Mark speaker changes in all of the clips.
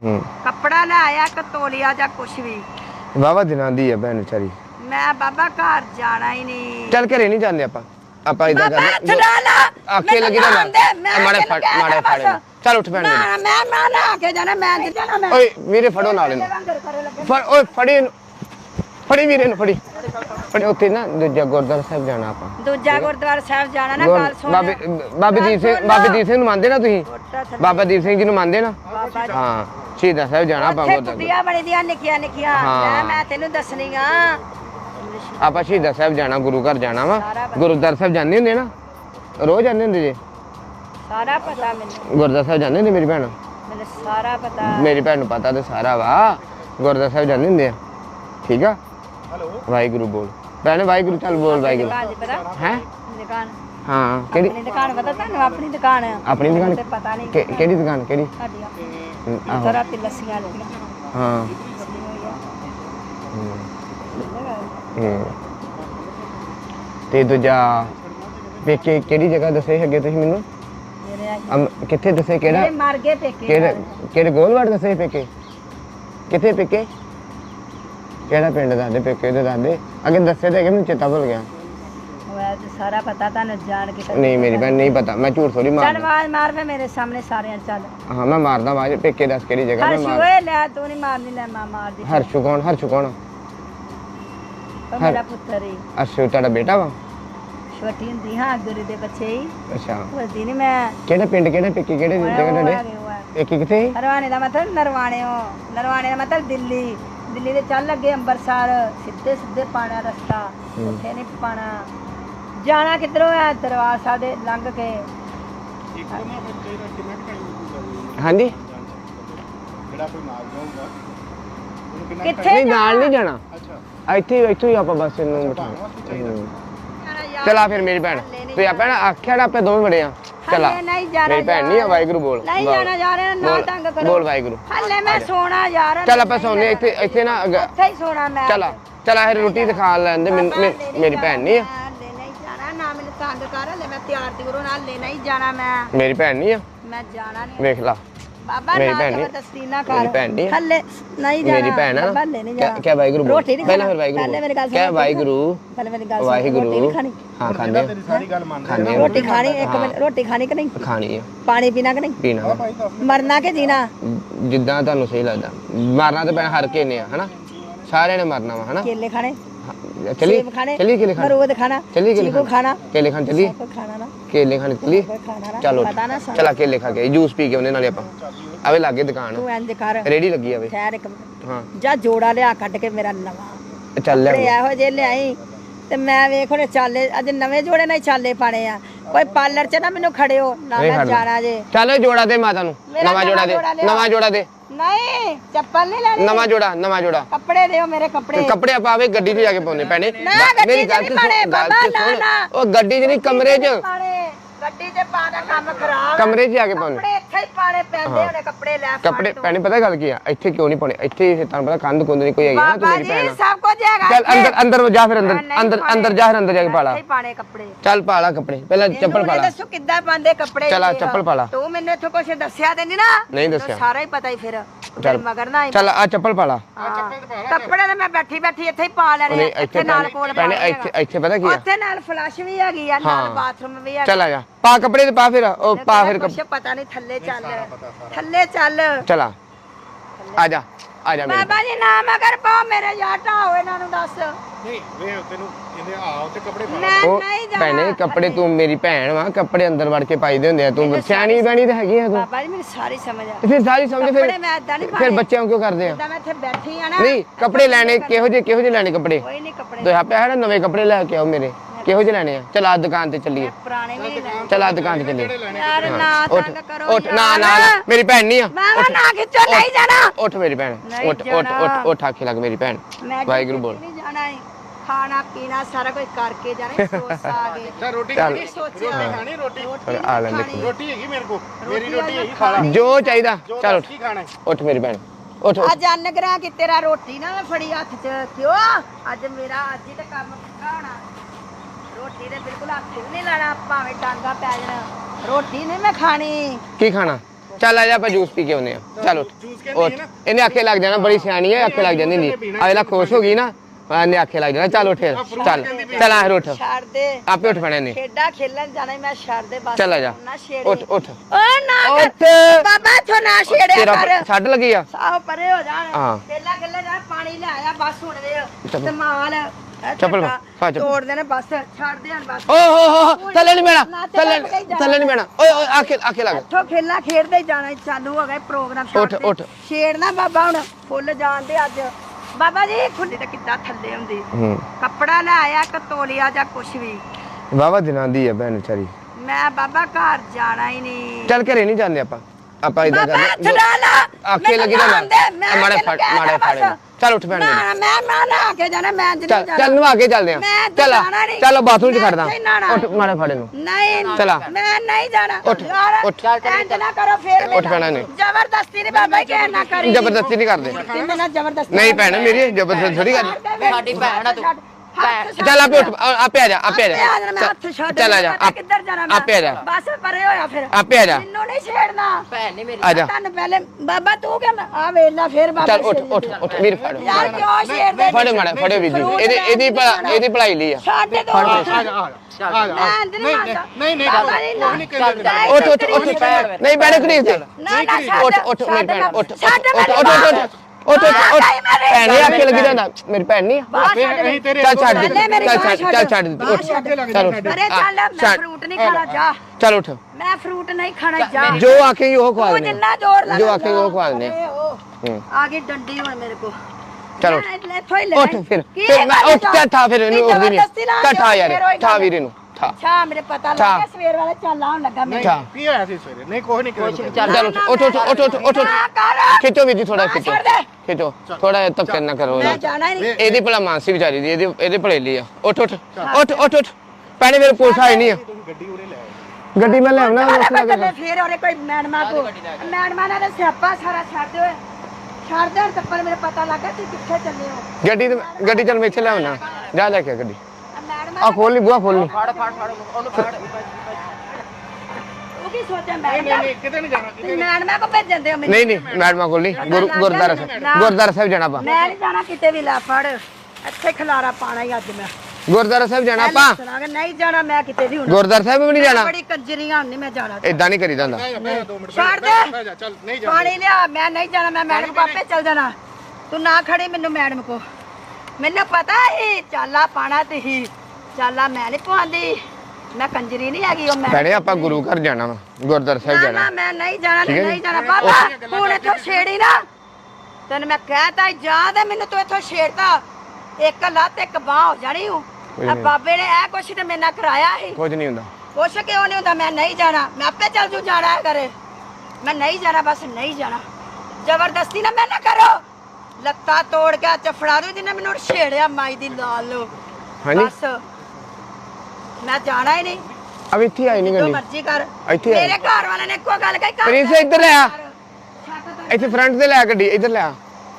Speaker 1: ਕੱਪੜਾ ਲੈ ਆਇਆ ਇੱਕ ਤੋਲੀਆ ਜਾਂ ਕੁਛ ਵੀ
Speaker 2: ਵਾਵਾ ਦਿਨਾਂ ਦੀ ਆ ਭੈਣ ਵਿਚਾਰੀ।
Speaker 1: ਮੈਂ ਬਾਬਾ ਘਰ ਜਾਣਾ ਹੀ ਨਹੀਂ।
Speaker 2: ਚੱਲ ਘਰੇ ਨਹੀਂ ਜਾਂਦੇ ਆਪਾਂ ਇਦਾਂ
Speaker 1: ਬਾਬਾ
Speaker 2: ਕਰਦੇ
Speaker 1: ਛੁਡਾ ਲਾ
Speaker 2: ਆਖੇ ਲੱਗੀ ਨਾ ਮਾੜੇ ਫੜ ਚੱਲ ਉੱਠ ਭੈਣ
Speaker 1: ਮੈਂ ਨਾ ਆ ਕੇ ਜਾਣਾ ਮੈਂ ਜਾਣਾ ਮੈਂ।
Speaker 2: ਓਏ ਵੀਰੇ ਫੜੋ ਨਾਲ ਇਹਨੂੰ ਫੜ ਓਏ ਫੜੀ ਇਹਨੂੰ ਫੜੀ ਵੀਰੇ ਨੂੰ ਫੜੀ ਉੱਥੇ ਨਾ ਦੂਜਾ ਗੁਰਦੁਆਰਾ ਸਾਹਿਬ ਜਾਣਾ ਆਪਾਂ।
Speaker 1: ਦੂਜਾ ਗੁਰਦੁਆਰਾ ਸਾਹਿਬ ਜਾਣਾ ਨਾ ਗੱਲ ਸੁਣ।
Speaker 2: ਬਾਬੇ ਦੀਪ ਸਿੰਘ ਨੂੰ ਮੰਨਦੇ ਨਾ ਤੁਸੀਂ? ਬਾਬਾ ਦੀਪ ਸਿੰਘ ਜੀ ਨੂੰ ਮੰਨਦੇ ਨਾ? ਹਾਂ ਸ਼ਹੀਦਾਂ ਸਾਹਿਬ ਜਾਣਾ ਆਪਾਂ ਗੁਰਦੁਆਰਾ।
Speaker 1: ਕੁੱਡੀਆਂ ਬਣੀ ਦੀਆਂ ਨਿੱਕੀਆਂ ਮੈਂ ਤੈਨੂੰ ਦੱਸਣੀ ਆ।
Speaker 2: ਆਪਾਂ ਸ਼ਹੀਦਾਂ ਸਾਹਿਬ ਜਾਣਾ ਗੁਰੂ ਘਰ ਜਾਣਾ ਵਾ। ਗੁਰਦੁਆਰਾ ਸਾਹਿਬ ਜਾਂਦੇ ਹੁੰਦੇ ਨਾ ਰੋਜ਼ ਜਾਂਦੇ ਹੁੰਦੇ ਜੇ?
Speaker 1: ਸਾਰਾ ਪਤਾ ਮੈਨੂੰ।
Speaker 2: ਗੁਰਦੁਆਰਾ ਸਾਹਿਬ ਜਾਂਦੇ ਹੁੰਦੇ ਮੇਰੀ ਭੈਣ?
Speaker 1: ਮੈਨੂੰ ਸਾਰਾ ਪਤਾ।
Speaker 2: ਮੇਰੀ ਭੈਣ ਨੂੰ ਪਤਾ ਤੇ ਸਾਰਾ ਵਾ। ਗੁਰਦੁਆਰਾ ਸਾਹਿਬ ਜਾਂਦੇ ਹੁੰਦੇ ਆ ਠੀਕ ਆ। ਵਾਹਿਗੁਰੂ ਬੋਲ ਭੈਣੇ ਵਾਹਿਗੁਰੂ ਚੱਲ ਬੋਲ ਵਾਹਿਗੁਰੂ। ਹੈ
Speaker 1: ਦੁਕਾਨ?
Speaker 2: ਹਾਂ ਕਿਹੜੀ
Speaker 1: ਦੁਕਾਨ ਪਤਾ ਤੁਹਾਨੂੰ? ਆਪਣੀ ਦੁਕਾਨ।
Speaker 2: ਆਪਣੀ ਦੁਕਾਨ
Speaker 1: ਤੇ ਪਤਾ ਨਹੀਂ
Speaker 2: ਕਿਹੜੀ ਦੁਕਾਨ ਕਿਹੜੀ?
Speaker 1: ਸਾਡੀ ਰਾਤੀ ਲੱਸੀਆਂ ਲੈਣੀਆਂ।
Speaker 2: ਹਾਂ ਤੇ ਦੂਜਾ ਪੇਕੇ ਕਿਹੜੀ ਜਗ੍ਹਾ ਦੱਸੇ ਅੱਗੇ ਤੁਸੀਂ ਮੈਨੂੰ? ਕਿੱਥੇ ਦੱਸੇ ਕਿਹੜਾ?
Speaker 1: ਮਰ ਗਏ ਪੇਕੇ।
Speaker 2: ਕਿਹੜੇ ਗੋਲਵਾੜ ਦੱਸੇ ਪੇਕੇ? ਕਿੱਥੇ ਪੇਕੇ? ਕਿਹੜਾ ਪਿੰਡ ਦੱਸਦੇ ਪੇਕੇ ਦੇ ਦੱਸਦੇ ਅੱਗੇ ਦੱਸੇ ਤੇ ਮੈਨੂੰ ਚੇਤਾ ਭੁੱਲ ਗਿਆ।
Speaker 1: ਸਾਰਾ ਪਤਾ ਤੁਹਾਨੂੰ ਜਾਣ ਕੇ?
Speaker 2: ਨਹੀਂ ਮੇਰੀ ਭੈਣ ਨਹੀਂ ਪਤਾ ਮੈਂ ਝੂਠ ਥੋੜੀ ਮਾਰਦਾ।
Speaker 1: ਚੱਲ ਆਵਾਜ਼ ਮਾਰ ਫੇ ਮੇਰੇ ਸਾਹਮਣੇ ਸਾਰਿਆਂ ਚੱਲ।
Speaker 2: ਹਾਂ ਮੈਂ ਮਾਰਦਾ ਆਵਾਜ਼। ਪੇਕੇ ਦੱਸ ਕਿਹੜੀ ਜਗ੍ਹਾ?
Speaker 1: ਹਰਸ਼ੂ ਓਏ ਲੈ ਤੂੰ ਨਹੀਂ ਮਾਰਨੀ ਲੈ ਮੈਂ ਮਾਰਦੀ।
Speaker 2: ਹਰਸ਼ੂ ਕੌਣ? ਹਰਸ਼ੂ ਕੌਣ?
Speaker 1: ਮੇਰਾ ਪੁੱਤਰ ਹੀ।
Speaker 2: ਹਰਸ਼ੂ ਤੁਹਾਡਾ ਬੇਟਾ ਵਾ?
Speaker 1: ਛੋਟੀ ਹੁੰਦੀ ਹਾਂ ਗੁਰੂ ਦੇ ਬੱਚੇ ਹੀ।
Speaker 2: ਅੱਛਾ
Speaker 1: ਵੱਡੀ ਨਹੀਂ ਮੈਂ।
Speaker 2: ਕਿਹੜਾ ਪਿੰਡ ਕਿਹੜਾ ਪੇਕੇ ਕਿਹੜੇ ਜਗ੍ਹਾ ਤੁਹਾਡੇ? ਇੱਕ ਕਿੱਥੇ?
Speaker 1: ਨਰਵਾਣੇ ਦਾ ਮਤਲਬ ਨਰਵਾਣੇ ਦਾ ਮਤਲਬ ਦਿੱਲੀ ਦੇ ਚੱਲ ਲੱਗੇ ਅੰਮ੍ਰਿਤਸਰ ਸਿੱਧੇ ਪਾਣਾ ਰਸਤਾ ਉੱਥੇ ਨਹੀਂ ਪਾਣਾ। ਜਾਣਾ ਕਿੱਧਰੋਂ ਆ? ਦਰਬਾਰ ਸਾਹਿਬ ਦੇ ਲੰਘ ਕੇ।
Speaker 2: ਹਾਂਜੀ
Speaker 3: ਜਿਹੜਾ ਕੋਈ ਨਾਲ ਜਾਊਗਾ ਉਹਨੂੰ ਕਿੰਨਾ
Speaker 1: ਕਿੱਥੇ?
Speaker 2: ਨਹੀਂ ਨਾਲ ਨਹੀਂ ਜਾਣਾ।
Speaker 3: ਅੱਛਾ
Speaker 2: ਇੱਥੇ ਹੀ ਆਪਾਂ ਬਸ ਇਹਨੂੰ ਬਿਠਾਉਣਾ। ਚਲਾ ਫਿਰ ਮੇਰੀ ਭੈਣ ਤੁਸੀਂ ਆਪਾਂ ਨਾ ਆਖਿਆ ਨਾ ਆਪਾਂ ਦੋਵੇਂ ਬੜੇ ਆ। ਚਲਾ ਮੇਰੀ ਭੈਣ ਨਹੀਂ ਆ। ਵਾਹਿਗੁਰੂ ਬੋਲ।
Speaker 1: ਨਹੀਂ ਜਾਣਾ ਜਾ ਰਹੇ ਨਾ ਤੰਗ ਕਰੋ।
Speaker 2: ਬੋਲ ਵਾਹਿਗੁਰੂ।
Speaker 1: ਹੱਲੇ ਮੈਂ ਸੋਣਾ ਯਾਰ।
Speaker 2: ਚੱਲ ਆਪਾਂ ਸੌਂਦੇ ਇੱਥੇ ਨਾ
Speaker 1: ਇੱਥੇ ਹੀ ਸੋਣਾ ਮੈਂ।
Speaker 2: ਚਲਾ ਇਹ ਰੋਟੀ ਤੇ ਖਾ ਲੈਂਦੇ ਮੇਰੀ ਭੈਣ ਨਹੀਂ ਆ।
Speaker 1: ਨਹੀਂ ਜਾਣਾ ਨਾ ਮੈਨੂੰ ਤੰਗ ਕਰ। ਹੱਲੇ ਮੈਂ ਤਿਆਰ ਤਿਉਰੋਂ ਨਾਲ ਨਹੀਂ ਜਾਣਾ ਮੈਂ।
Speaker 2: ਮੇਰੀ ਭੈਣ ਨਹੀਂ ਆ।
Speaker 1: ਮੈਂ ਜਾਣਾ ਨਹੀਂ।
Speaker 2: ਵੇਖ ਲਾ
Speaker 1: ਬਾਬਾ
Speaker 2: ਮੇਰੀ
Speaker 1: ਨਾ
Speaker 2: ਭੈਣ
Speaker 1: ਜ਼ਬਰਦਸਤੀ ਨਾ ਕਰ।
Speaker 2: ਮੇਰੀ ਭੈਣ ਨਹੀਂ
Speaker 1: ਹੱਲੇ ਨਹੀਂ ਜਾਣਾ।
Speaker 2: ਮੇਰੀ ਭੈਣ ਆ ਨਾ। ਕਿਆ ਵਾਹਿਗੁਰੂ
Speaker 1: ਰੋਟੀ ਨਹੀਂ
Speaker 2: ਪਹਿਲਾਂ ਫਿਰ ਵਾਹਿਗੁਰੂ ਕਿਆ ਵਾਹਿਗੁਰੂ
Speaker 1: ਪਹਿਲੇ ਮੇਰੀ ਗੱਲ
Speaker 2: ਵਾਹਿਗੁਰੂ।
Speaker 1: ਖਾਣੀ।
Speaker 2: ਹਾਂ ਖਾਂਦੇ
Speaker 3: ਤੇਰੀ ਸਾਰੀ ਗੱਲ ਮੰਨਦਾ।
Speaker 2: ਖਾਂਦੇ
Speaker 1: ਰੋਟੀ ਖਾਣੀ ਇੱਕ ਮਿੰਟ। ਰੋਟੀ ਖਾਣੀ ਕਿ ਨਹੀਂ?
Speaker 2: ਖਾਣੀ ਆ
Speaker 1: ਪਾਣੀ ਪੀਣਾ ਕਿ ਨਹੀਂ?
Speaker 2: ਪੀਣਾ
Speaker 1: ਮਰਨਾ ਕਿ ਜੀਣਾ?
Speaker 2: ਜਿੱਦਾਂ ਤੁਹਾਨੂੰ ਸਹੀ ਲੱਗਦਾ। ਮਰਨਾ ਤਾਂ ਹਰ ਕੇ ਨੇ ਆ ਹਨਾ। ਸਾਰਿਆਂ ਨੇ ਮਰਨਾ ਵਾ ਹਨਾ।
Speaker 1: ਕੇਲੇ ਖਾਣੇ?
Speaker 2: ਚਲੀ
Speaker 1: ਸੇਬ ਖਾਣੇ?
Speaker 2: ਚਲੀ ਕੇਲੇ ਖਾਣੇ?
Speaker 1: ਅਮਰੂਦ ਖਾਣਾ? ਚੀਕੂ ਖਾਣਾ?
Speaker 2: ਕੇਲੇ ਖਾਣ ਚਲੀ
Speaker 1: ਖਾਣਾ ਨਾ
Speaker 2: ਕੇਲੇ ਖਾਣ ਚਲੀ
Speaker 1: ਖਾਣਾ ਨਾ।
Speaker 2: ਚਲੋ
Speaker 1: ਪਤਾ ਨਾ ਸਾਨੂੰ।
Speaker 2: ਚਲਾ ਕੇਲੇ ਖਾ ਕੇ ਜੂਸ ਪੀ ਕੇ ਉਹਨੇ ਨਾਲੇ ਆਪਾਂ ਆਵੇ ਲਾਗੇ ਦੁਕਾਨ
Speaker 1: ਤੂੰ ਇੰਜ ਕਰ
Speaker 2: ਰੇੜੀ ਲੱਗੀ ਆਵੇ।
Speaker 1: ਠਹਿਰ ਇੱਕ ਮਿੰਟ।
Speaker 2: ਹਾਂ
Speaker 1: ਜਾ ਜੋੜਾ ਲਿਆ ਕੱਢ ਕੇ ਮੇਰਾ ਨਵਾਂ।
Speaker 2: ਚੱਲ
Speaker 1: ਕੱਪੜੇ
Speaker 2: ਲਿਆ
Speaker 1: ਇਹੋ ਜਿਹੇ ਲਿਆਈ ਤੇ ਮੈਂ ਵੇਖ ਉਹਨੇ ਚਾਲੇ ਅੱਜ ਨਵੇਂ ਜੋੜੇ ਨਾਲ ਚਾਲੇ ਪਾਣੇ ਆ। ਕੋਈ ਪਾਰਲਰ 'ਚ ਨਾ ਮੈਨੂੰ ਖੜਿਓ ਨਾ ਮੈਂ ਜਾਣਾ ਜੇ।
Speaker 2: ਚੱਲ ਜੋੜਾ ਦੇ ਮਾਤਾ ਨੂੰ। ਨਵਾਂ ਜੋੜਾ ਦੇ। ਨਵਾਂ ਜੋੜਾ ਦੇ।
Speaker 1: ਨਹੀਂ ਚੱਪਲ ਨਹੀਂ ਲੈਣੀ।
Speaker 2: ਨਵਾਂ ਜੋੜਾ
Speaker 1: ਕੱਪੜੇ ਦਿਓ ਮੇਰੇ ਕੱਪੜੇ।
Speaker 2: ਕੱਪੜੇ ਆਪਾਂ ਆਵੇ ਗੱਡੀ 'ਚ ਜਾ ਕੇ ਪਾਉਣੇ ਪੈਣੇ।
Speaker 1: ਮੇਰੀ ਗੱਲ ਸੁਣ।
Speaker 2: ਉਹ ਗੱਡੀ 'ਚ ਨਹੀਂ ਕਮਰੇ 'ਚ।
Speaker 1: ਗੱਡੀ 'ਚ ਪਾਣਾ ਕੰਮ ਖਰਾਬ।
Speaker 2: ਕਮਰੇ 'ਚ ਜਾ ਕੇ ਪਾਉਣੇ।
Speaker 1: ਕੱਪੜੇ ਇੱਥੇ ਹੀ ਪਾਣੇ ਪੈਂਦੇ ਹੋਣੇ ਕੱਪੜੇ ਲੈ।
Speaker 2: ਕੱਪੜੇ ਪੈਣੇ ਪਤਾ ਗੱਲ ਕੀ ਆ ਇੱਥੇ ਕਿਉਂ ਨਹੀਂ ਪਾਉਣੇ? ਇੱਥੇ ਤੁਹਾਨੂੰ ਪਤਾ ਕੰਧ ਕੁੰਦ ਨਹੀਂ ਕੋਈ ਹੈਗੀ ਨਾ। ਤੂੰ ਮੇਰੀ ਭੈਣ ਆ।
Speaker 1: ਸਭ ਕੁਝ ਹੈਗਾ।
Speaker 2: ਚੱਲ ਅੰਦਰ ਜਾ ਫਿਰ ਅੰਦਰ ਜਾ ਕੇ ਪਾ ਲਾ।
Speaker 1: ਇੱਥੇ ਹੀ ਪਾਣੇ ਕੱਪੜੇ।
Speaker 2: ਚੱਲ ਪਾ ਲਾ ਕੱਪੜੇ ਪਹਿਲਾਂ ਚੱਪਲ ਪਾ ਲਾ।
Speaker 1: ਦੱਸੋ ਕਿੱਦਾਂ ਪਾਉਂਦੇ ਕੱਪੜੇ?
Speaker 2: ਚੱਲ ਚੱਪਲ ਪਾ ਲਾ।
Speaker 1: ਤੂੰ ਮੈਨੂੰ ਇੱਥੋਂ ਕੁਝ ਦੱਸਿਆ ਤੇ ਨਹੀਂ ਨਾ?
Speaker 2: ਨਹੀਂ ਦੱਸਿਆ।
Speaker 1: ਸਾਰਾ ਹੀ ਪਤਾ ਹੀ ਫਿਰ।
Speaker 2: ਚੱਲ
Speaker 1: ਮਗਰ ਨਾ
Speaker 2: ਚੱਲ ਆ ਚੱਪਲ ਪਾ ਲਾ।
Speaker 1: ਕੱਪੜੇ ਤੇ ਮੈਂ ਬੈਠੀ ਇੱਥੇ ਹੀ ਪਾ ਲੈਣੇ। ਇੱਥੇ ਨਾਲ ਕੋਲ
Speaker 2: ਪੈਣੇ ਇੱਥੇ ਪਤਾ ਕੀ ਆ
Speaker 1: ਉੱਥੇ ਨਾਲ ਫਲਸ਼ ਵੀ ਹੈਗੀ ਆ ਨਾਲ ਬਾਥਰੂਮ ਵੀ ਹੈਗਾ।
Speaker 2: ਚੱਲ ਆ ਜਾ ਪਾ ਕੱਪੜੇ ਤੇ ਪਾ ਫਿਰ ਉਹ ਪਾ ਫਿਰ
Speaker 1: ਕੁਛ ਪਤਾ ਨਹੀਂ ਥੱਲੇ ਚੱਲ
Speaker 2: ਚਲਾ ਆ ਜਾ
Speaker 1: ਬਾਬਾ ਜੀ ਨਾ ਮਗਰ ਪਾਓ ਮੇਰੇ ਯਾਟਾ ਹੋਏ ਇਹਨਾਂ ਨੂੰ ਦੱਸ।
Speaker 3: ਨਹੀਂ ਵੇ ਤੈਨੂੰ ਇਹਦੇ ਆਓ ਤੇ ਕੱਪੜੇ ਪਾ।
Speaker 1: ਮੈਂ ਨਹੀਂ ਜਾਣਾ।
Speaker 2: ਭੈਣੇ ਕੱਪੜੇ ਤੂੰ ਮੇਰੀ ਭੈਣ ਵਾ ਕੱਪੜੇ ਅੰਦਰ ਵੜ ਕੇ ਪਾਈਦੇ ਹੁੰਦੇ ਆ। ਤੂੰ ਸਿਆਣੀ ਬਣੀ ਤੇ ਹੈਗੀ ਆ ਤੂੰ।
Speaker 1: ਬਾਬਾ ਜੀ ਮੈਨੂੰ ਸਾਰੀ ਸਮਝ ਆ।
Speaker 2: ਫਿਰ ਸਾਰੀ ਸਮਝ
Speaker 1: ਕੱਪੜੇ ਮੈਂ ਏਦਾਂ ਨਹੀਂ ਪਾਣੇ।
Speaker 2: ਫਿਰ ਬੱਚਿਆਂ ਕਿਉਂ ਕਰਦੇ ਆ?
Speaker 1: ਮੈਂ ਇੱਥੇ ਬੈਠੀ ਆ ਨਾ।
Speaker 2: ਨਹੀਂ ਕੱਪੜੇ ਲੈਣੇ ਕਿਹੋ ਜਿਹੇ ਲੈਣੇ ਕੱਪੜੇ?
Speaker 1: ਕੋਈ ਨਹੀਂ ਕੱਪੜੇ।
Speaker 2: ਤੂੰ ਆਪੇ ਹੈ ਨਾ ਨਵੇਂ ਕੱਪੜੇ ਲੈ ਕੇ ਆਓ ਮੇਰੇ। ਕਿਹੋ ਜਿਹੇ ਲੈਣੇ ਆ? ਚਲ ਆ ਦੁਕਾਨ ਤੇ ਚੱਲੀਏ।
Speaker 1: ਪੁਰਾਣੇ ਨਹੀਂ ਲੈਣੇ।
Speaker 2: ਚਲ ਆ ਦੁਕਾਨ ਤੇ ਚੱਲੀਏ।
Speaker 1: ਯਾਰ ਨਾ ਤੰਗ ਕਰੋ
Speaker 2: ਉੱਠ ਨਾ ਮੇਰੀ ਭੈਣ ਨਹੀਂ ਆ।
Speaker 1: ਮੈਂ ਨਾ ਖਿੱਚੋ ਨਹੀਂ ਜਾਣਾ।
Speaker 2: ਉੱਠ ਮੇਰੀ ਭੈਣ ਉੱਠ ਆਖੇ ਲੱਗ ਮੇਰੀ ਭੈਣ। ਵਾਹਿਗੁਰੂ ਬੋਲ।
Speaker 1: ਨਹੀਂ ਜਾਣਾ ਖਾਣਾ ਪੀਣਾ ਸਾਰਾ ਕੁਝ ਕਰਕੇ ਜਾਣਾ। ਸੋਚ ਆ ਗਏ
Speaker 3: ਚੱਲ ਰੋਟੀ
Speaker 2: ਚੱਲ।
Speaker 3: ਖਾਣੀ ਰੋਟੀ
Speaker 2: ਆ ਲੈ ਦੇਖੀ
Speaker 3: ਰੋਟੀ ਹੈਗੀ ਮੇਰੇ ਕੋਲ। ਮੇਰੀ ਰੋਟੀ ਹੈਗੀ ਖਾ ਲਾ
Speaker 2: ਜੋ ਚਾਹੀਦਾ। ਚੱਲ ਉੱਠ
Speaker 3: ਕੀ ਖਾਣਾ?
Speaker 2: ਉੱਠ ਮੇਰੀ ਭੈਣ ਉੱਠ।
Speaker 1: ਅੱਜ ਅਨਗਰਾ ਕਿ ਤੇਰਾ ਰੋਟੀ ਨਾ ਮੈਂ ਫੜੀ ਹੱਥ 'ਚ ਕਿਉਂ? ਅੱਜ ਮੇਰਾ ਅੱਜ ਹੀ ਤਾਂ ਕੰਮ ਪੱਕਾ ਹੋਣਾ। ਰੋਟੀ ਦੇ ਬਿਲਕੁਲ ਹੱਥ ਵੀ ਨਹੀਂ ਲਾਣਾ ਭਾਵੇਂ ਡਾਂਗਾ ਪੈ ਜਾਣਾ। ਰੋਟੀ ਨਹੀਂ ਮੈਂ ਖਾਣੀ।
Speaker 2: ਕੀ ਖਾਣਾ? ਚੱਲ ਆ ਜਾ ਆਪਾਂ ਜੂਸ ਪੀ ਕੇ ਆਉਂਦੇ ਆ ਚੱਲ ਉੱਠ
Speaker 3: ਜੂਸ ਕਹਿੰਦੀ
Speaker 2: ਉੱਠ
Speaker 3: ਹੈ ਨਾ
Speaker 2: ਇਹਨੇ ਆਖੇ ਲੱਗ ਜਾਣਾ ਬੜੀ ਸਿਆਣੀ ਹੈ ਆਖੇ ਲੱਗ ਜਾਂਦੀ ਨਹੀਂ ਅਗਲਾ ਖੁਸ਼ ਹੋ ਗਈ ਨਾ ਇਹਨੇ ਆਖੇ ਲੱਗ ਜਾਣਾ ਚੱਲ ਉੱਠ ਚੱਲ ਚੱਲ ਆ ਉੱਠ
Speaker 1: ਛੱਡ ਦੇ
Speaker 2: ਆਪੇ ਉੱਠ ਪੈਣਾ ਨੇ
Speaker 1: ਖੇਡਾਂ ਖੇਲਣ ਜਾਣਾ ਮੈਂ ਛੱਡ ਦੇ ਬਸ
Speaker 2: ਚੱਲ ਆ ਜਾ
Speaker 1: ਨਾ ਛੇੜੇ
Speaker 2: ਉੱਠ ਉੱਠ
Speaker 1: ਓ ਨਾ
Speaker 2: ਉੱਠ
Speaker 1: ਬਾਬਾ ਇੱਥੋਂ ਨਾ ਛੇੜਿਆ
Speaker 2: ਤੇਰਾ
Speaker 1: ਕਰ
Speaker 2: ਛੱਡ ਲੱਗੀ ਆ
Speaker 1: ਸਾਹ ਪਰੇ ਹੋ ਜਾਣ
Speaker 2: ਹਾਂ।
Speaker 1: ਖੇਲਾ ਖੇਲਾ ਜਾ ਪਾਣੀ ਲੈ ਆਇਆ ਬਸ ਹੁਣ ਵੇ
Speaker 2: ਚੱਪਲ।
Speaker 1: ਧਮਾਲ
Speaker 2: ਚੱਪਲ ਪਾ ਚੱਪਲ।
Speaker 1: ਤੋੜ ਦੇਣੇ ਬਸ ਛੱਡ ਦੇ ਹਣ ਬਸ
Speaker 2: ਓ ਹੋ ਥੱਲੇ ਨਹੀਂ ਬੈਣਾ ਥੱਲੇ ਨਹੀਂ ਬੈਣਾ ਓਏ ਓਏ ਆਖੇ ਲੱਗ
Speaker 1: ਇੱਥੋਂ ਖੇਲਾ ਖੇਡਦੇ ਹੀ ਜਾਣਾ ਚਾਲੂ ਹੋ ਗਿਆ ਪ੍ਰੋਗਰਾਮ
Speaker 2: ਉੱਠ, ਉੱਠ।
Speaker 1: ਛੇੜਨਾ ਬਾਬਾ ਹੁਣ ਫੁੱਲ ਜਾਣਦੇ ਅੱਜ ਬਾਬਾ ਜੀ ਖੁੱਲੀ ਤਾਂ ਕਿੱਦਾਂ ਥੱਲੇ ਹੁੰਦੀ ਕੱਪੜਾ ਲੈ ਆਇਆ ਕਤੋਲੀਆ ਜਾਂ ਕੁਛ ਵੀ
Speaker 2: ਵਾਵਾ ਦਿਨਾਂ ਦੀ ਆ ਭੈਣ ਵਿਚਾਰੀ
Speaker 1: ਮੈਂ ਬਾਬਾ ਘਰ ਜਾਣਾ ਹੀ ਨਹੀਂ
Speaker 2: ਚੱਲ ਘਰੇ ਨਹੀਂ ਜਾਂਦੇ ਆਪਾਂ ਇਦਾਂ
Speaker 1: ਬਾਬਾ ਹੱਥ
Speaker 2: ਕਰਦੇ
Speaker 1: ਲਾ ਲਾ
Speaker 2: ਆਖੇ ਲੱਗੀ ਨਾ ਮਾੜੇ ਮਾੜੇ ਫਾੜੇ ਚੱਲ ਉੱਠ ਭੈਣ
Speaker 1: ਨਾ ਮੈਂ ਨਾ ਕੇ ਜਾਣਾ ਮੈਂ ਨਹੀਂ
Speaker 2: ਚੱਲ
Speaker 1: ਜਾਣਾ
Speaker 2: ਚੱਲ ਨਵਾ ਕੇ ਚੱਲਦੇ ਆ
Speaker 1: ਮੈਂ
Speaker 2: ਚੱਲ
Speaker 1: ਜਾਣਾ ਨਹੀਂ।
Speaker 2: ਚੱਲ ਬਾਥਰੂਮ 'ਚ
Speaker 1: ਮੈਂ
Speaker 2: ਖੜਦਾ
Speaker 1: ਨਹੀਂ ਨਹਾਉਣਾ।
Speaker 2: ਉੱਠ ਮਾੜੇ ਫਾੜੇ ਨੂੰ
Speaker 1: ਨਹੀਂ
Speaker 2: ਚਲਾ।
Speaker 1: ਮੈਂ ਨਹੀਂ ਜਾਣਾ
Speaker 2: ਉੱਠ,
Speaker 1: ਯਾਰ,
Speaker 2: ਉੱਠ।
Speaker 1: ਇੰਝ ਨਾ ਕਰੋ ਫੇਰ
Speaker 2: ਉੱਠ ਪੈਣਾ ਨਹੀਂ।
Speaker 1: ਜ਼ਬਰਦਸਤੀ ਨਹੀਂ ਬਾਬਾ ਜੀ ਕਹਿ ਨਾ ਕਰੀ
Speaker 2: ਜ਼ਬਰਦਸਤੀ ਨਹੀਂ ਕਰਦੇ
Speaker 1: ਇਹਦੇ ਨਾਲ ਜ਼ਬਰਦਸਤੀ
Speaker 2: ਨਹੀਂ ਭੈਣ ਮੇਰੀ ਜ਼ਬਰਦਸਤੀ ਥੋੜੀ ਕਰਦੀ
Speaker 1: ਸਾਡੀ ਭੈਣ ਆ ਤੂੰ
Speaker 2: ਚੱਲ ਆਪੇ ਉੱਠ ਆਪੇ ਆ ਜਾ ਆਪੇ ਆ
Speaker 1: ਮੈਂ
Speaker 2: ਜਾ
Speaker 1: ਹੱਥ ਛੱਡ
Speaker 2: ਚੱਲ ਆ ਜਾ
Speaker 1: ਕਿੱਧਰ ਜਾਣਾ ਮੈਂ
Speaker 2: ਆਪੇ ਆ ਜਾ
Speaker 1: ਬਸ ਪਰੇ ਹੋਇਆ ਫਿਰ
Speaker 2: ਆਪੇ ਆ ਜਾ
Speaker 1: ਮੈਨੂੰ ਨਹੀਂ ਛੇੜਨਾ
Speaker 4: ਭੈਣ ਨਹੀਂ ਮੇਰੀ
Speaker 2: ਆ ਜਾ
Speaker 1: ਤੁਹਾਨੂੰ ਪਹਿਲੇ ਬਾਬਾ ਤੂੰ ਕਹਿੰਦਾ ਆ ਵੇਲਾ ਫੇਰ ਬਾਬਾ
Speaker 2: ਚੱਲ ਉੱਠ ਵੀਰ ਫੜ
Speaker 1: ਯਾਰ ਕਿਉਂ ਛੇੜਦੇ
Speaker 2: ਫੜੇ ਮਾੜੇ ਫੜੇ ਵੀਰ ਜੀ ਇਹਦੀ ਭਲਾਈ ਲਈ ਆ
Speaker 1: ਸਾਡੇ ਤੋਂ
Speaker 3: ਆ ਜਾ
Speaker 1: ਨਹੀਂ
Speaker 3: ਨਹੀਂ
Speaker 1: ਬਾਬਾ ਜੀ ਨਾ
Speaker 2: ਉੱਠ ਨਹੀਂ ਬੈਠੇ ਖਰੀਦ ਤੇ
Speaker 1: ਨਾ ਨਾ ਛੱਡ
Speaker 2: ਉੱਠ ਮੇਰੀ ਭੈਣ ਉੱਠ
Speaker 1: ਛੱਡ ਮੇਰੀ
Speaker 2: ਉੱਠ ਭੈਣ ਨਹੀਂ ਆਖੇ ਲੱਗੀ ਜਾਂਦਾ ਮੇਰੀ ਭੈਣ ਨਹੀਂ
Speaker 3: ਅਸੀਂ ਤੇਰੇ
Speaker 2: ਚੱਲ ਛੱਡ ਚੱਲ ਛੱਡ ਚੱਲ ਉੱਠ
Speaker 1: ਅਰੇ ਚੱਲ ਮੈਂ ਫਰੂਟ ਨਹੀਂ ਖਾਣਾ ਜਾ
Speaker 2: ਚੱਲ ਉੱਠ
Speaker 1: ਮੈਂ ਫਰੂਟ ਨਹੀਂ ਖਾਣਾ ਜਾ
Speaker 2: ਜੋ ਆਖੇ ਉਹ ਖਵਾ
Speaker 1: ਤੂੰ
Speaker 2: ਦੇਣੇ
Speaker 1: ਜਿੰਨਾ ਜ਼ੋਰ ਲਾ
Speaker 2: ਜੋ ਆਖੇ ਉਹ ਖਵਾ ਦੇਣੇ
Speaker 1: ਆ ਗਈ ਡੰਡੀ ਹੁਣ ਮੇਰੇ ਕੋ
Speaker 2: ਚਲੋ
Speaker 1: ਇੱਥੋਂ ਹੀ ਲੈ
Speaker 2: ਉੱਠ ਫਿਰ ਮੈਂ ਉੱਠ ਤੇ ਠਾ ਫਿਰ ਇਹਨੂੰ ਉੱਠਦੀ ਨਹੀਂ ਠਾ ਯਾਰ ਠਾ ਵੀਰ ਇਹਨੂੰ ਠਾ
Speaker 1: ਅੱਛਾ ਮੇਰੇ ਪਤਾ ਲੱਗ ਗਿਆ ਸਵੇਰ ਵਾਲੇ ਚੱਲ ਆਉਣ ਲੱਗਾ ਮੈਂ
Speaker 2: ਠਾ
Speaker 3: ਕੀ ਹੋਇਆ ਸੀ ਸਵੇਰੇ ਨਹੀਂ ਕੋਈ ਨਹੀਂ ਕੋਈ
Speaker 2: ਚੱਲ ਉੱਠ
Speaker 1: ਨਾ ਕਰ
Speaker 2: ਖਿੱਚੋ ਵੀਰ ਜੀ ਥੋੜਾ ਖਿੱਚੋ
Speaker 1: ਛੱਡ ਦੇ
Speaker 2: ਖਿੱਚੋ ਥੋੜਾ ਧੱਕੇ ਨਾ ਕਰੋ
Speaker 1: ਮੈਂ ਜਾਣਾ ਹੀ ਨਹੀਂ
Speaker 2: ਇਹਦੀ ਭਲਾ ਮਾਨਸੀ ਵਿਚਾਰੀ ਦੀ ਇਹਦੇ ਭਲੇ ਲਈ ਆ ਉੱਠ ਪਹਿਲੇ ਮੇਰੇ ਪੁਲਿਸ ਆਈ ਨਹੀਂ ਆ
Speaker 3: ਤੁਸੀਂ ਗੱਡੀ ਉਰੇ ਲੈ ਆਓ
Speaker 2: ਗੱਡੀ ਮੈਂ ਲੈ ਆਉਣਾ ਉਸ ਨਾਲ
Speaker 1: ਚੱਲੇ ਫੇਰ ਉਹਰੇ ਕੋਈ ਮੈਡਮਾਂ ਕੋ ਮੈਡਮਾਂ ਨੇ ਸਿਆਪਾ ਸਾਰਾ ਛੱਡ ਓਏ ਛੱਡ ਦੇ ਤੱਪਰ ਮੇਰੇ ਪਤਾ ਲੱਗਾ ਤੁਸੀਂ ਕਿੱਥੇ ਚੱਲੇ ਹੋ
Speaker 2: ਗੱਡੀ ਚੱਲ ਮੈਂ ਇੱਥੇ ਲੈ ਆਉਣਾ ਜਾ ਲੈ ਕੇ ਗੱਡੀ
Speaker 1: ਮੈਡਮਾਂ
Speaker 2: ਆ ਖੋਲ ਲਈ ਬੂਆ ਖੋਲ ਲਈ
Speaker 4: ਫੜ ਉਹਨੂੰ ਫੜ
Speaker 1: ਉਹ ਕੀ ਸੋਚਿਆ
Speaker 3: ਨਹੀਂ
Speaker 1: ਮੈਡਮ
Speaker 3: ਨਹੀਂ ਕਿਤੇ ਨਹੀਂ ਜਾਣਾ
Speaker 1: ਤੁਸੀਂ ਮੈਡਮਾਂ ਕੋ ਭੇਜਣ ਦਿਓ ਮੈਨੂੰ
Speaker 2: ਨਹੀਂ ਮੈਡਮਾਂ ਕੋਲ ਨਹੀਂ ਗੁਰਦੁਆਰਾ ਸਾਹਿਬ ਜਾਣਾ ਆਪਾਂ
Speaker 1: ਮੈਂ ਨਹੀਂ ਜਾਣਾ ਕਿਤੇ ਵੀ ਲੈ ਫੜ ਇੱਥੇ ਖਲਾਰਾ ਪਾਣਾ ਹੀ ਅੱਜ ਮੈਂ
Speaker 2: ਗੁਰਦੁਆਰਾ ਸਾਹਿਬ ਜਾਣਾ ਆਪਾਂ
Speaker 1: ਸੁਣਾਂਗੇ ਨਹੀਂ ਜਾਣਾ ਮੈਂ ਕਿਤੇ ਵੀ ਹੁਣ
Speaker 2: ਗੁਰਦੁਆਰਾ ਸਾਹਿਬ ਵੀ ਨਹੀਂ ਜਾਣਾ
Speaker 1: ਬੜੀ ਕੰਜਰੀਆਂ ਨਹੀਂ ਮੈਂ ਜਾਣਾ
Speaker 2: ਇਦਾਂ ਨਹੀਂ ਕਰੀਦਾ ਹੁੰਦਾ
Speaker 3: ਮੈਂ 2 ਮਿੰਟ
Speaker 1: ਛੱਡ
Speaker 3: ਬਹਿ
Speaker 1: ਦੇ
Speaker 3: ਜਾ ਚੱਲ ਨਹੀਂ ਜਾਣਾ
Speaker 1: ਪਾਣੀ ਲਿਆ ਮੈਂ ਨਹੀਂ ਜਾਣਾ ਮੈਂ ਮੈਡਮ ਕੋ ਆਪੇ ਚੱਲ ਜਾਣਾ ਤੂੰ ਨਾ ਖੜੀ ਮੈਨੂੰ ਮੈਡਮ ਕੋ ਮੈਨੂੰ ਪਤਾ ਹੀ ਚਾਲਾ ਪਾਣਾ ਤੇ ਹੀ ਚਾਲਾ ਮੈਂ ਨਹੀਂ ਪਵਾਉਂਦੀ ਮੈਂ ਕੰਜਰੀ ਨਹੀਂ ਹੈਗੀ ਉਹ ਮੈਂ
Speaker 2: ਭੈਣੇ ਆਪਾਂ ਗੁਰੂ ਘਰ ਜਾਣਾ ਵਾ ਗੁਰਦੁਆਰਾ ਸਾਹਿਬ
Speaker 1: ਨਾ
Speaker 2: ਜਾਣਾ
Speaker 1: ਨਾ ਮੈਂ ਨਹੀਂ ਜਾਣਾ
Speaker 2: ਠੀਕ ਹੈ
Speaker 1: ਨਹੀਂ ਜਾਣਾ ਬਾਬਾ ਹੁਣ ਇੱਥੋਂ ਛੇੜੀ ਨਾ ਤੈਨੂੰ ਮੈਂ ਕਹਿਤਾ ਜਾ ਤੇ ਮੈਨੂੰ ਤੂੰ ਇੱਥੋਂ ਛੇੜਤਾ ਇੱਕ ਲੱਤ ਇੱਕ ਬਾਹ ਹੋ ਜਾਣੀ ਹੂੰ ਆ ਬਾਬੇ ਨੇ ਇਹ ਕੁਛ ਤੇ ਮੇਰੇ ਨਾਲ ਕਰਾਇਆ ਸੀ
Speaker 2: ਕੁਝ ਨਹੀਂ ਹੁੰਦਾ
Speaker 1: ਕੁਛ ਕਿਉਂ ਨਹੀਂ ਹੁੰਦਾ ਮੈਂ ਨਹੀਂ ਜਾਣਾ ਮੈਂ ਆਪੇ ਚੱਲ ਜੂ ਜਾਣਾ ਹੈ ਕਰੇ ਮੈਂ ਨਹੀਂ ਜਾਣਾ ਬਸ ਨਹੀਂ ਜਾਣਾ ਜ਼ਬਰਦਸਤੀ ਨਾ ਮੈਂ ਨਾ ਕਰੋ ਲੱਤਾਂ ਤੋੜ ਕੇ ਚਫੜਾ ਦੂ ਜਿੰਨੇ ਮੈਨੂੰ ਛੇੜਿਆ ਮਾਈ ਦੀ ਲਾਲ ਨੂੰ
Speaker 2: ਹਾਂਜੀ
Speaker 1: ਬਸ ਮੈਂ ਜਾਣਾ ਹੀ ਨਹੀਂ
Speaker 2: ਅਬ ਇੱਥੇ ਆਈ ਨਹੀਂ
Speaker 1: ਜੋ
Speaker 2: ਗੱਡੀ
Speaker 1: ਮਰਜ਼ੀ ਕਰ
Speaker 2: ਇੱਥੇ
Speaker 1: ਮੇਰੇ ਘਰ ਵਾਲਿਆਂ ਨੇ ਇੱਕੋ ਗੱਲ ਕਹੀ ਕਰ
Speaker 2: ਪ੍ਰਿੰਸ ਇੱਧਰ ਲੈ ਆ ਇੱਥੇ ਫਰੰਟ ਤੇ ਲੈ ਆ ਗੱਡੀ ਇੱਧਰ ਲੈ ਆ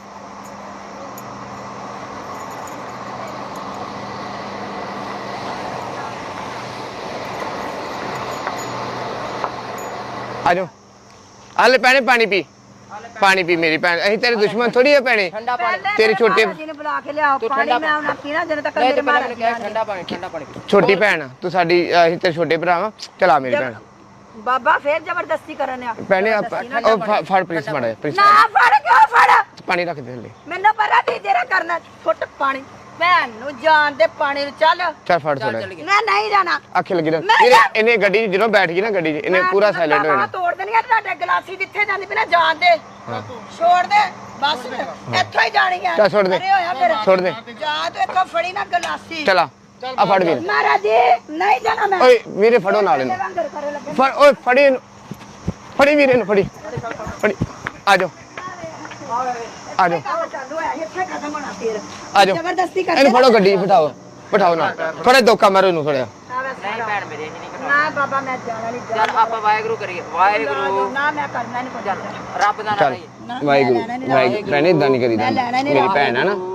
Speaker 2: ਆਜੋ ਆਲੇ ਭੈਣੇ ਪਾਣੀ ਪੀ ਮੇਰੀ ਭੈਣ ਅਸੀਂ ਤੇਰੇ ਦੁਸ਼ਮਣ ਥੋੜੀ ਆ ਭੈਣੇ
Speaker 4: ਠੰਡਾ ਪਾਣੀ
Speaker 2: ਤੇਰੇ ਛੋਟੇ
Speaker 1: ਜੀ ਨੂੰ ਬੁਲਾ ਕੇ ਲਿਆਓ ਪਾਣੀ ਮੈਂ ਉਹਨਾਂ ਪੀਣਾ ਜਦੋਂ ਤੱਕ ਮੇਰੇ ਮਾਰ
Speaker 4: ਮੈਨੂੰ ਕਹਿ ਠੰਡਾ ਪਾਣੀ
Speaker 2: ਛੋਟੀ ਭੈਣ ਆ, ਤੂੰ ਸਾਡੀ ਅਸੀਂ ਤੇਰੇ ਛੋਟੇ ਭਰਾ ਵਾ ਚਲਾ ਮੇਰੀ ਭੈਣ
Speaker 1: ਬਾਬਾ ਫੇਰ ਜ਼ਬਰਦਸਤੀ ਕਰਨ ਆ
Speaker 2: ਭੈਣੇ ਉਹ ਫੜ ਪ੍ਰਿੰਸ ਮਾੜਾ ਪ੍ਰਿੰਸ
Speaker 1: ਨਾ ਫੜ ਕਿਉਂ ਫੜ
Speaker 2: ਪਾਣੀ ਰੱਖ ਦੇ ਥੱਲੇ
Speaker 1: ਮੈਨੂੰ ਪਤਾ ਤੀ ਜਿਹੜਾ ਕਰਨਾ ਫੁੱਟ ਪਾਣੀ ਭੈਣ ਨੂੰ ਜਾਣ ਦੇ ਪਾਣੀ ਨੂੰ ਚੱਲ
Speaker 2: ਚੱਲ ਫੜ ਥੋੜਾ
Speaker 1: ਮੈਂ ਨਹੀਂ ਜਾਣਾ
Speaker 2: ਅੱਖੇ ਲੱਗੀ
Speaker 1: ਮੈਂ
Speaker 2: ਇਹਨੇ ਗੱਡੀ 'ਚ ਜਦੋਂ ਬੈਠ ਗਈ ਨਾ ਗੱਡੀ 'ਚ ਇਹਨੇ ਪੂਰਾ ਸਾਇਲੈਂਟ ਹੋ ਜਾਣਾ
Speaker 1: ਤੋੜ ਦੇਣੀ ਆ ਤੁਹਾਡੇ ਗਲਾਸੀ ਜਿੱਥੇ ਜਾਂਦੀ ਪਈ ਨਾ ਜਾਣ ਦੇ ਛੋੜ ਦੇ ਬਸ ਇੱਥੋਂ ਹੀ ਜਾਣੀ ਆ
Speaker 2: ਚੱਲ ਛੋੜ ਦੇ।
Speaker 1: ਅਰੇ ਹੋਇਆ ਫਿਰ
Speaker 2: ਛੋੜ ਦੇ
Speaker 1: ਜਾ ਤੂੰ ਇੱਥੋਂ ਫੜੀ ਨਾ ਗਲਾਸੀ
Speaker 2: ਚਲਾ ਆ ਫੜ ਵੀਰ
Speaker 1: ਮਹਾਰਾਜ ਜੀ ਨਹੀਂ ਜਾਣਾ ਮੈਂ
Speaker 2: ਓਏ ਵੀਰੇ ਫੜੋ ਨਾਲ ਇਹਨੂੰ
Speaker 1: ਲੰਗਰ ਕਰੇ ਲੱਗੇ
Speaker 2: ਫੜ ਓਏ ਫੜੀ ਇਹਨੂੰ ਫੜੀ ਵੀਰੇ ਨੂੰ ਫੜੀ ਆ ਜਾਓ ਆ ਜਾਓ
Speaker 1: ਕੰਮ ਚਾਲੂ ਹੈ ਇੱਥੇ ਖਤਮ ਹੋਣਾ ਫਿਰ
Speaker 2: ਆ ਜਾਓ
Speaker 1: ਜ਼ਬਰਦਸਤੀ ਕਰਦੇ
Speaker 2: ਇਹਨੂੰ ਫੜੋ ਗੱਡੀ 'ਚ ਬਿਠਾਓ ਨਾਲ ਥੋੜਾ ਧੋਖਾ ਮਾਰੋ ਇਹਨੂੰ ਥੋੜਾ
Speaker 4: ਨਹੀਂ ਭੈਣ ਮੇਰੇ ਨਹੀਂ
Speaker 1: ਨਾ ਬਾਬਾ ਮੈਂ ਜਾਣਾ ਨਹੀਂ
Speaker 4: ਚੱਲ ਆਪਾਂ ਵਾਹਿਗੁਰੂ ਕਰੀਏ ਵਾਹਿਗੁਰੂ
Speaker 1: ਨਾ ਮੈਂ ਕਰਨਾ ਨਹੀਂ ਕੁਝ
Speaker 4: ਰੱਬ ਦਾ ਨਾਮ
Speaker 2: ਚੱਲ
Speaker 4: ਲਈਏ
Speaker 2: ਵਾਹਿਗੁਰੂ ਭੈਣੇ ਇਦਾਂ ਨਹੀਂ ਕਰੀਦਾ
Speaker 1: ਮੈਂ ਲੈਣਾ ਨਹੀਂ
Speaker 2: ਮੇਰੀ ਭੈਣ ਆ ਨਾ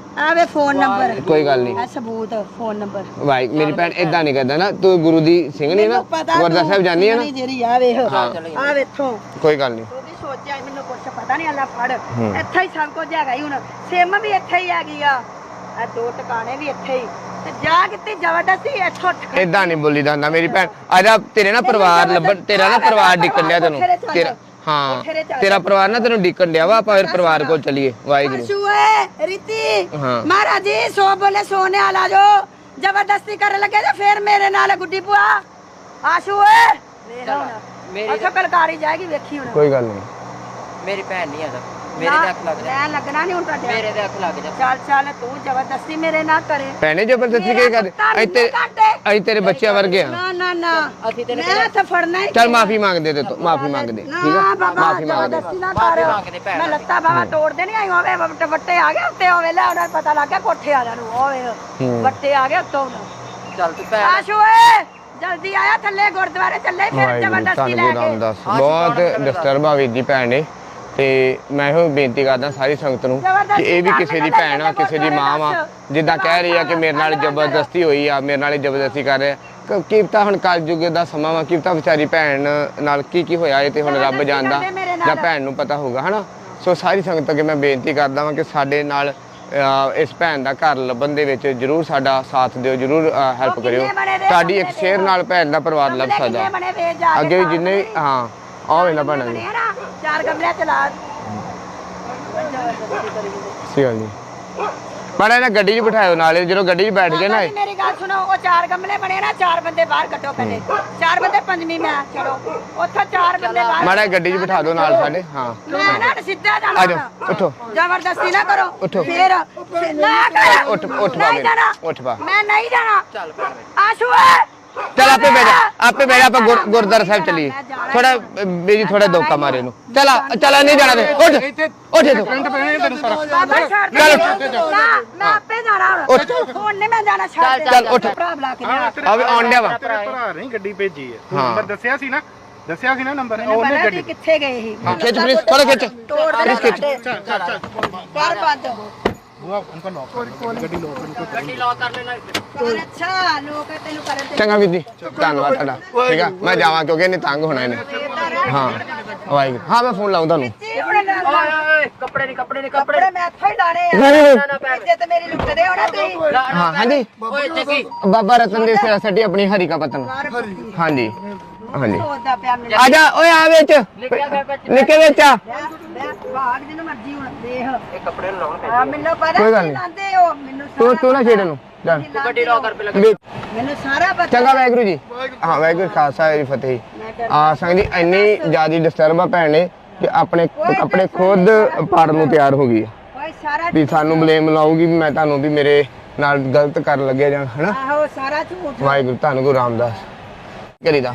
Speaker 1: ਆਵੇ ਫੋਨ ਨੰਬਰ
Speaker 2: ਕੋਈ ਗੱਲ ਨਹੀਂ
Speaker 1: ਆ ਸਬੂਤ ਫੋਨ ਨੰਬਰ
Speaker 2: ਭਾਈ ਮੇਰੀ ਭੈਣ ਇਦਾਂ ਨਹੀਂ ਕਰਦਾ ਨਾ ਤੂੰ ਗੁਰੂ ਦੀ ਸਿੰਘ ਨਹੀਂ ਨਾ ਗੁਰਦੁਆਰਾ ਸਾਹਿਬ ਜਾਨੀ ਹੈ ਨਾ
Speaker 1: ਜਿਹੜੀ ਆ ਵੇਖ ਆ ਵੇਖੋ
Speaker 2: ਕੋਈ ਗੱਲ ਨਹੀਂ
Speaker 1: ਤੂੰ ਵੀ ਸੋਚਿਆ ਮੈਨੂੰ ਕੁਛ ਪਤਾ ਨਹੀਂ ਅੱਲਾ ਫੜ ਇੱਥੇ ਹੀ ਸਭ ਕੁਝ ਹੈਗਾ ਹੀ ਹੁਣ ਸਿਮ ਵੀ ਇੱਥੇ ਹੀ ਹੈਗੀ ਆ ਆ 2 ਟਿਕਾਣੇ ਵੀ ਇੱਥੇ ਹੀ ਤੇ ਜਾ ਕਿਤੇ ਜ਼ਬਰਦਸਤੀ ਇੱਥੋਂ
Speaker 2: ਇਦਾਂ ਨਹੀਂ ਬੋਲੀ ਦਾ ਹੁੰਦਾ ਮੇਰੀ ਭੈਣ ਆਜਾ ਤੇਰੇ ਨਾ ਪਰਿਵਾਰ ਲੱਭਣ ਤੇਰਾ ਨਾ ਪਰਿਵਾਰ ਡਿੱਕਣ ਡਿਆ ਤੈਨੂੰ ਤੇਰਾ ਹਾਂ ਤੇਰਾ ਪਰਿਵਾਰ ਨਾ ਤੈਨੂੰ ਡਿੱਕਣ ਡਿਆ ਵਾ ਆਪਾਂ ਫਿਰ ਪਰਿਵਾਰ ਕੋਲ ਚੱਲੀਏ ਵਾਹਿਗੁਰੂ
Speaker 1: ਆਸ਼ੂਏ ਰੀਤੀ
Speaker 2: ਹਾਂ
Speaker 1: ਮਹਾਰਾਜ ਜੀ ਸੋ ਬੋਲੇ ਸੋਨੇ ਵਾਲਾ ਜੋ ਜ਼ਬਰਦਸਤੀ ਕਰਨ ਲੱਗੇ ਤੇ ਫਿਰ ਮੇਰੇ ਨਾਲ ਗੁੱਡੀ ਭੂਆ ਆਸ਼ੂਏ
Speaker 4: ਮੇਰੀ
Speaker 1: ਅੱਛਾ ਕਲਕਾਰੀ ਜਾਏਗੀ ਵੇਖੀ ਹੁਣ
Speaker 2: ਕੋਈ ਗੱਲ ਨਹੀਂ
Speaker 4: ਮੇਰੀ ਭੈਣ ਨਹੀਂ ਆਦਾ ਮੇਰੇ ਦੇ ਅੱਖ ਲੱਗ ਜਾ
Speaker 1: ਮੈਂ ਲੱਗਣਾ ਨਹੀਂ ਹੁਣ ਤੁਹਾਡੇ
Speaker 4: ਮੇਰੇ ਦੇ ਅੱਖ ਲੱਗ ਜਾ
Speaker 1: ਚੱਲ ਚੱਲ ਤੂੰ ਜ਼ਬਰਦਸਤੀ ਮੇਰੇ ਨਾਲ ਕਰੇ
Speaker 2: ਭੈਣੇ ਜ਼ਬਰਦਸਤੀ ਕੀ ਕਰਦੇ ਅਸੀਂ ਤੇਰੇ ਬੱਚਿਆਂ ਵਰਗੇ ਆ
Speaker 1: ਨਾ ਨਾ ਨਾ
Speaker 4: ਅਸੀਂ ਤੈਨੂੰ
Speaker 1: ਮੈਂ ਤਾਂ ਫੜਨਾ ਹੀ
Speaker 2: ਚੱਲ ਮਾਫੀ ਮੰਗਦੇ ਤੇ ਮਾਫੀ ਮੰਗਦੇ ਠੀਕ
Speaker 1: ਨਾ
Speaker 2: ਆ
Speaker 1: ਬਾਬਾ
Speaker 2: ਮਾਫੀ ਮੰਗਦੇ
Speaker 1: ਜ਼ਬਰਦਸਤੀ ਨਾ ਕਰ
Speaker 4: ਮੰਗਦੇ ਭੈਣ
Speaker 1: ਮੈਂ ਲੱਤਾਂ ਬਾਵਾ ਤੋੜਦੇ ਨਹੀਂ ਆਈ ਹੋਵੇ ਵੱਟੇ ਆ ਗਏ ਉੱਤੇ ਹੋਵੇ ਲੈ ਉਹਨਾਂ ਨੂੰ ਪਤਾ ਲੱਗ ਗਿਆ ਕੋਠੇ ਵਾਲਿਆਂ ਨੂੰ ਹੋਵੇ ਵੱਟੇ ਆ ਗਏ ਉੱਤੋਂ
Speaker 4: ਚੱਲ ਤੂੰ ਭੈਣ
Speaker 1: ਆਸ਼ੂਏ ਜਲਦੀ ਆਇਆ ਥੱਲੇ ਗੁਰਦੁਆਰੇ ਚੱਲੇ ਫਿਰ ਜ਼ਬਰਦਸਤੀ ਲੈ ਕੇ
Speaker 2: ਰਾਮਦਾਸ ਬਹੁਤ ਡਿਸਟਰਬ ਆ ਵੀਰ ਜੀ ਭੈਣ ਨੇ ਤੇ ਮੈਂ ਇਹੋ ਬੇਨਤੀ ਕਰਦਾ ਸਾਰੀ ਸੰਗਤ ਨੂੰ ਕਿ ਇਹ ਵੀ ਕਿਸੇ ਦੀ ਭੈਣ ਆ ਕਿਸੇ ਦੀ ਮਾਂ ਆ ਜਿੱਦਾਂ ਕਹਿ ਰਹੀ ਆ ਕਿ ਮੇਰੇ ਨਾਲ ਜ਼ਬਰਦਸਤੀ ਹੋਈ ਆ ਮੇਰੇ ਨਾਲ ਜ਼ਬਰਦਸਤੀ ਕਰ ਰਿਹਾ ਕੀ ਪਤਾ ਹੁਣ ਕਲਯੁੱਗ ਦਾ ਸਮਾਂ ਵਾ ਕੀ ਪਤਾ ਵਿਚਾਰੀ ਭੈਣ ਨਾਲ ਕੀ ਹੋਇਆ ਇਹ ਤੇ ਹੁਣ ਰੱਬ ਜਾਣਦਾ ਜਾਂ ਭੈਣ ਨੂੰ ਪਤਾ ਹੋਊਗਾ ਹਨਾ ਸੋ ਸਾਰੀ ਸੰਗਤ ਅੱਗੇ ਮੈਂ ਬੇਨਤੀ ਕਰਦਾ ਵਾਂ ਕਿ ਸਾਡੇ ਨਾਲ ਇਸ ਭੈਣ ਦਾ ਘਰ ਲੱਭਣ ਦੇ ਵਿੱਚ ਜਰੂਰ ਸਾਡਾ ਸਾਥ ਦਿਓ ਜਰੂਰ ਹੈਲਪ ਕਰਿਓ ਤੁਹਾਡੀ ਇੱਕ ਸ਼ੇਅਰ ਨਾਲ ਭੈਣ ਦਾ ਪਰਿਵਾਰ ਲੱਭ ਸਕਦਾ ਅੱਗੇ ਵੀ ਜਿੰਨੇ ਹਾਂ ਆਹ ਵੇਲਾ ਭੈਣਾਂ ਜੀ
Speaker 1: 4 ਗਮਲੇ ਚਲਾ
Speaker 2: ਸਹੀ ਗੱਲ ਜੀ ਮਾੜਾ ਇਹਨਾਂ ਗੱਡੀ 'ਚ ਬਿਠਾਇਓ ਨਾਲੇ ਜਦੋਂ ਗੱਡੀ 'ਚ ਬੈਠ ਗਏ ਨਾ
Speaker 1: ਮੇਰੀ ਗੱਲ ਸੁਣੋ ਉਹ 4 ਗਮਲੇ ਬਣੇ ਨਾ 4 ਬੰਦੇ ਬਾਹਰ ਕੱਢੋ ਪਹਿਲੇ 4 ਬੰਦੇ ਪੰਜਵੀਂ ਮੈਂ ਚਲੋ ਉੱਥੋਂ 4 ਬੰਦੇ ਬਾਹਰ
Speaker 2: ਮਾੜਾ ਗੱਡੀ 'ਚ ਬਿਠਾ ਦਿਓ ਨਾਲ ਸਾਡੇ ਹਾਂ
Speaker 1: ਮੈਂ ਨਾ ਸਿੱਧਾ
Speaker 2: ਆ
Speaker 1: ਜਾਣਾ
Speaker 2: ਜਾਓ ਉੱਠੋ
Speaker 1: ਜ਼ਬਰਦਸਤੀ ਨਾ ਕਰੋ
Speaker 2: ਉੱਠੋ।
Speaker 1: ਫੇਰ ਨਾ ਕਰ
Speaker 2: ਉੱਠ ਪਾ
Speaker 1: ਨਹੀਂ ਜਾਣਾ
Speaker 2: ਉੱਠ ਪਾ
Speaker 1: ਮੈਂ ਨਹੀਂ ਜਾਣਾ
Speaker 4: ਚੱਲ ਭੈਣ
Speaker 1: ਆਸ਼ੂ
Speaker 2: ਚਲ ਆਪੇ ਬਹਿ ਜਾ ਆਪਾਂ ਗੁਰਦੁਆਰਾ ਸਾਹਿਬ ਚੱਲੀਏ ਥੋੜਾ ਬੇਜੀ ਥੋੜਾ ਧੋਖਾ ਮਾਰੇ ਨੂੰ ਚਲ ਨਹੀਂ ਜਾਣਾ ਤੇ ਉੱਠ ਉੱਠ ਤੂੰ
Speaker 1: ਬਾਬਾ ਛੱਡ
Speaker 2: ਚੱਲ
Speaker 1: ਮੈਂ ਆਪੇ ਜਾਣਾ ਹੁਣ ਨਹੀਂ ਮੈਂ ਜਾਣਾ ਛੱਡ
Speaker 2: ਚੱਲ ਉੱਠ
Speaker 1: ਭਰਾ ਬੁਲਾ ਕੇ ਲਿਆ
Speaker 2: ਆ ਵੀ ਆਉਣ ਡਿਆ ਵਾ
Speaker 3: ਤੇਰੇ ਭਰਾ ਨੇ ਗੱਡੀ ਭੇਜੀ ਹੈ
Speaker 2: ਹਾਂ।
Speaker 3: ਨੰਬਰ ਦੱਸਿਆ ਸੀ ਨਾ ਨੰਬਰ
Speaker 1: ਉਹਨੇ
Speaker 3: ਉਹਨੇ ਗੱਡੀ
Speaker 1: ਕਿੱਥੇ ਗਏ ਸੀ
Speaker 2: ਖਿੱਚ ਪਲੀਜ਼ ਥੋੜਾ ਖਿੱਚ
Speaker 1: ਤੋੜ ਦੇ
Speaker 2: ਖਿੱਚ
Speaker 1: ਕਰ ਬੰਦ
Speaker 3: ਬੁਆ ਉਨਕਾ ਲੌਕ ਗੱਡੀ ਲੌਕ
Speaker 4: ਗੱਡੀ ਲੌਕ ਕਰ ਲੈਣਾ
Speaker 1: ਕਰ ਅੱਛਾ ਲੋਕ ਤੈਨੂੰ ਕਰਨ ਤੇ
Speaker 2: ਚੰਗਾ ਵੀਰ ਜੀ ਧੰਨਵਾਦ ਤੁਹਾਡਾ ਠੀਕ ਆ ਮੈਂ ਜਾਵਾਂ ਕਿਉਂਕਿ ਇਹਨੇ ਤੰਗ ਹੋਣਾ ਇਹਨੇ ਹਾਂ ਵਾਹਿਗੁਰੂ ਹਾਂ ਮੈਂ ਫੋਨ ਲਾਉਂ ਤੁਹਾਨੂੰ
Speaker 4: ਓਏ ਕੱਪੜੇ ਨਹੀਂ
Speaker 1: ਕੱਪੜੇ ਮੈਂ ਇੱਥੇ ਹੀ ਲਾਣੇ
Speaker 2: ਨਹੀਂ,
Speaker 1: ਆ ਇੱਜ਼ਤ ਮੇਰੀ ਲੁੱਟਦੇ ਹੋ ਨਾ ਤੁਸੀਂ
Speaker 2: ਹਾਂ ਹਾਂਜੀ
Speaker 4: ਓਏ ਜੱਗੀ
Speaker 2: ਬਾਬਾ ਰਤਨ ਦੇ ਸੱਟੀ ਆਪਣੀ ਹਰੀ ਕਾ ਪਤਨ ਹਾਂਜੀ ਹਾਂਜੀ
Speaker 1: ਸੋਚਦਾ ਪਿਆ ਮੇਰੇ
Speaker 2: ਆ ਜਾ ਓਏ ਆ ਵਿੱਚ ਨਿੱਕੇ ਵਿੱਚ ਆ
Speaker 1: ਭਾਗ ਜਿਹਨੂੰ ਮਰਜੀ ਹੁਣ ਦੇਖ
Speaker 4: ਇਹ ਕੱਪੜੇ ਨੂੰ ਲਾਉਣ
Speaker 1: ਆ ਮੈਨੂੰ ਪਤਾ
Speaker 2: ਕੋਈ ਗੱਲ
Speaker 1: ਕੀ
Speaker 2: ਨਹੀਂ।
Speaker 1: ਲਾਂਦੇ ਹੋ ਮੈਨੂੰ
Speaker 2: ਤੂੰ ਨਾ ਛੇੜ ਨੂੰ ਜਾ
Speaker 4: ਗੱਡੀ ਲੌਕ ਕਰ ਪਹਿਲਾਂ
Speaker 1: ਮੈਨੂੰ ਸਾਰਾ ਪਤਾ
Speaker 2: ਚੰਗਾ ਵਾਹਿਗੁਰੂ ਜੀ ਹਾਂ ਵਾਹਿਗੁਰੂ ਖਾਲਸਾ ਜੀ ਫਤਿਹ ਆ ਸੰਗ ਜੀ ਇੰਨੀ ਜ਼ਿਆਦਾ ਡਿਸਟਰਬ ਆ ਭੈਣ ਨੇ ਕਿ ਆਪਣੇ ਕੱਪੜੇ ਖੁਦ ਪਾੜਨ ਨੂੰ ਤਿਆਰ ਹੋ ਗਈ
Speaker 1: ਓਏ ਸਾਰਾ
Speaker 2: ਵੀ ਸਾਨੂੰ ਬਲੇਮ ਲਾਊਗੀ ਵੀ ਮੈਂ ਤੁਹਾਨੂੰ ਵੀ ਮੇਰੇ ਨਾਲ ਗਲਤ ਕਰਨ ਲੱਗਿਆ ਜਾਂ ਹਨਾ
Speaker 1: ਆਹੋ ਸਾਰਾ ਝੂਠ
Speaker 2: ਵਾਹਿਗੁਰੂ ਤੁਹਾਨੂੰ ਗੁਰੂ ਰਾਮਦਾਸ ਕਰੀਦਾ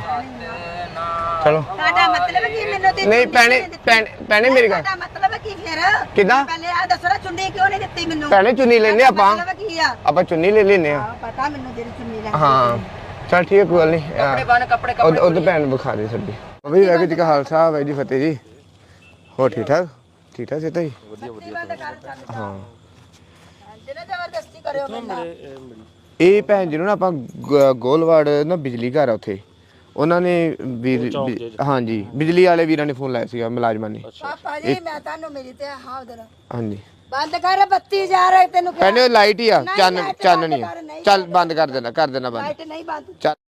Speaker 2: ਚਲੋ
Speaker 1: ਤੁਹਾਡਾ ਮਤਲਬ ਕੀ ਮੈਨੂੰ ਤੇ
Speaker 2: ਨਹੀਂ ਭੈਣੇ ਮੇਰੀ ਗੱਲ
Speaker 1: ਤੁਹਾਡਾ ਮਤਲਬ ਕੀ ਫਿਰ
Speaker 2: ਕਿੱਦਾਂ?
Speaker 1: ਪਹਿਲੇ ਆ ਦੱਸੋ ਨਾ ਚੁੰਨੀ ਕਿਉਂ ਨਹੀਂ ਦਿੱਤੀ ਮੈਨੂੰ
Speaker 2: ਭੈਣੇ ਚੁੰਨੀ ਲੈਨੇ ਆਪਾਂ
Speaker 1: ਮਤਲਬ ਕੀ ਆ
Speaker 2: ਆਪਾਂ ਚੁੰਨੀ ਲੈ ਲੈਨੇ ਆ
Speaker 1: ਪਤਾ ਮੈਨੂੰ ਜਿਹੜੀ ਚੁੰਨੀ ਲੈਣੀ
Speaker 2: ਹਾਂ ਚਲ ਠੀਕ ਹੈ ਕੋਈ ਗੱਲ ਨਹੀਂ
Speaker 4: ਕੱਪੜੇ ਬਣ ਕੱਪੜੇ
Speaker 2: ਉਹਦੇ ਭੈਣ ਵਿਖਾ ਦੇ ਸਾਡੀ ਵੀ ਵਾਹਿਗੁਰੂ ਜੀ ਕਾ ਖਾਲਸਾ ਵਾਹਿਗੁਰੂ ਜੀ ਫਤਿਹ ਜੀ ਹੋ ਠੀਕ ਠਾਕ ਸੇ ਤਾਂ ਜੀ ਹਾਂ
Speaker 1: ਜਿਹੜਾ ਜ਼ਬਰਦਸਤੀ ਕਰਿਓ ਮੈਨੂੰ
Speaker 2: ਇਹ ਭੈਣ ਜੀ ਨੂੰ ਨਾ ਆਪਾਂ ਗੋਲਵਾੜ ਨਾ ਬਿਜਲੀ ਘਰ ਆ ਉੱਥੇ ਉਹਨਾਂ ਨੇ ਹਾਂਜੀ ਬਿਜਲੀ ਵਾਲੇ ਵੀਰਾਂ ਨੇ ਫੋਨ ਲਾਇਆ ਸੀਗਾ ਮੁਲਾਜ਼ਮਾਂ ਨੇ
Speaker 1: ਪਾਪਾ ਜੀ ਮੈਂ ਤੁਹਾਨੂੰ ਮੇਰੀ ਤੇ ਹਾਂ ਉਧਰ
Speaker 2: ਹਾਂਜੀ
Speaker 1: ਬੰਦ ਕਰ ਬੱਤੀ ਜਾ ਰਹੀ ਤੈਨੂੰ
Speaker 2: ਭੈਣੇ ਲਾਈਟ ਹੀ ਆ
Speaker 1: ਨਹੀਂ,
Speaker 2: ਚੰਨ
Speaker 1: light
Speaker 2: ਚੰਨ
Speaker 1: ਬੰਦ
Speaker 2: ਨਹੀਂ
Speaker 1: ਕਰ, ਨਹੀਂ
Speaker 2: ਚੱਲ
Speaker 1: ਬੰਦ
Speaker 2: ਬੰਦ ਕਰ ਦੇਣਾ ਬੰਦ
Speaker 1: ਲਾਈਟ ਨਹੀਂ ਬੰਦ
Speaker 2: ਚੱਲ